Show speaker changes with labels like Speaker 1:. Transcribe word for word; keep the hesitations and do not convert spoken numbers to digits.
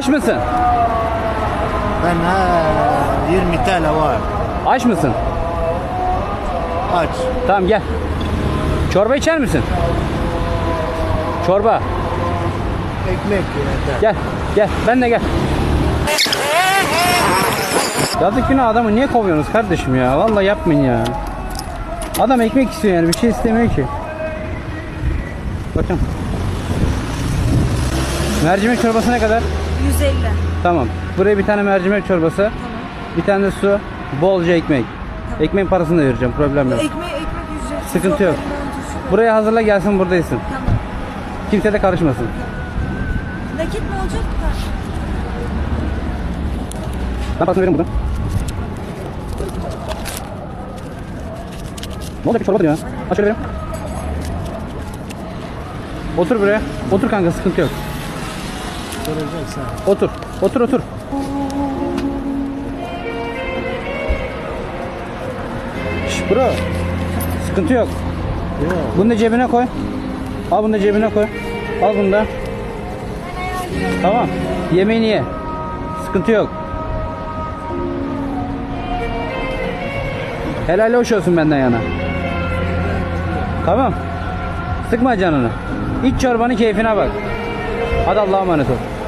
Speaker 1: Aç mısın?
Speaker 2: Ben ha, yirmi T L var.
Speaker 1: Aç mısın?
Speaker 2: Aç.
Speaker 1: Tamam gel. Çorba içer misin? Çorba.
Speaker 2: Ekmek yeter.
Speaker 1: Gel. Gel. Ben de gel. Yazık günah adamı niye kovuyorsunuz kardeşim ya? Vallahi yapmayın ya. Adam ekmek istiyor yani bir şey istemiyor ki. Bakın. Mercimek çorbası ne kadar?
Speaker 3: yüz elli.
Speaker 1: Tamam. Buraya bir tane mercimek çorbası.
Speaker 3: Tamam.
Speaker 1: Bir tane de su. Bolca ekmek.
Speaker 3: Tamam.
Speaker 1: Ekmeğin parasını da vereceğim. Problem yok.
Speaker 3: Ekmeği ekmek ücretsiz.
Speaker 1: Sıkıntı yok.
Speaker 3: Buraya...
Speaker 1: Buraya hazırla gelsin buradaysın.
Speaker 3: Tamam.
Speaker 1: Kimse de karışmasın.
Speaker 3: Nakit mi olacak? Ha.
Speaker 1: Ben parasını veririm buradan. Ne olacak bir çorba diyor ya. Aç şöyle vereyim. Otur buraya. Otur kanka sıkıntı yok.
Speaker 2: Soracaksan.
Speaker 1: Otur. Otur otur. Şş bro. Sıkıntı yok.
Speaker 2: Yok.
Speaker 1: Bunu da cebine koy. Al bunu da cebine koy. Al bunu da. Tamam. Yemeğini ye. Sıkıntı yok. Helal hoş olsun benden yana. Tamam. Sıkma canını. İç çorbanın keyfine bak. Hadi Allah'a emanet ol.